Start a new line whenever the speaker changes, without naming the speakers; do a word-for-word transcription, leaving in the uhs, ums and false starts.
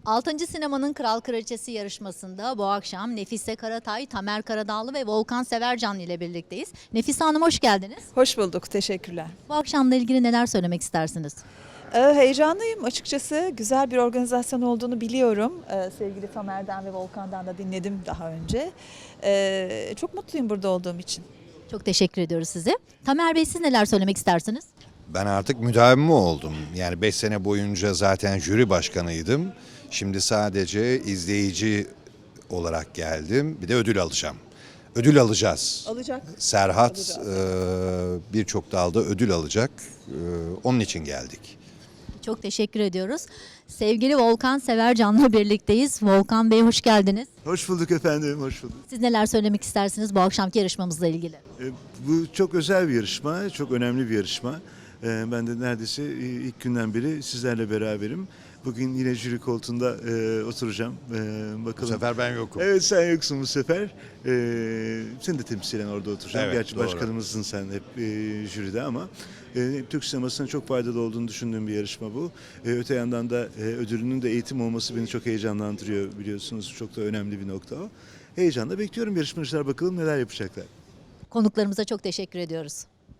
Altıncı Sinemanın Kral Kraliçesi yarışmasında bu akşam Nefise Karatay, Tamer Karadağlı ve Volkan Severcan ile birlikteyiz. Nefise Hanım hoş geldiniz.
Hoş bulduk, teşekkürler.
Bu akşamla ilgili neler söylemek istersiniz?
Ee, heyecanlıyım açıkçası. Güzel bir organizasyon olduğunu biliyorum. Ee, sevgili Tamer'den ve Volkan'dan da dinledim daha önce. Ee, çok mutluyum burada olduğum için.
Çok teşekkür ediyoruz size. Tamer Bey siz neler söylemek istersiniz?
Ben artık müdavimi oldum. Yani beş sene boyunca zaten jüri başkanıydım. Şimdi sadece izleyici olarak geldim. Bir de ödül alacağım. Ödül alacağız.
Alacak.
Serhat
Alacağız.
e, birçok dalda ödül alacak. E, onun için geldik.
Çok teşekkür ediyoruz. Sevgili Volkan Severcan'la birlikteyiz. Volkan Bey hoş geldiniz.
Hoş bulduk efendim, hoş bulduk.
Siz neler söylemek istersiniz bu akşamki yarışmamızla ilgili?
E, bu çok özel bir yarışma, çok önemli bir yarışma. E, ben de neredeyse e, ilk günden beri sizlerle beraberim. Bugün yine jüri koltuğunda e, oturacağım. E,
Bu
bakalım.
sefer ben yokum.
Evet, sen yoksun bu sefer. E, seni de temsilen orada oturacağım.
Evet,
Gerçi
doğru.
başkanımızsın sen hep e, jüride ama e, Türk sinemasına çok faydalı olduğunu düşündüğüm bir yarışma bu. E, öte yandan da e, ödülünün de eğitim olması beni çok heyecanlandırıyor biliyorsunuz. Çok da önemli bir nokta o. Heyecanla bekliyorum yarışmacılar, bakalım neler yapacaklar.
Konuklarımıza çok teşekkür ediyoruz.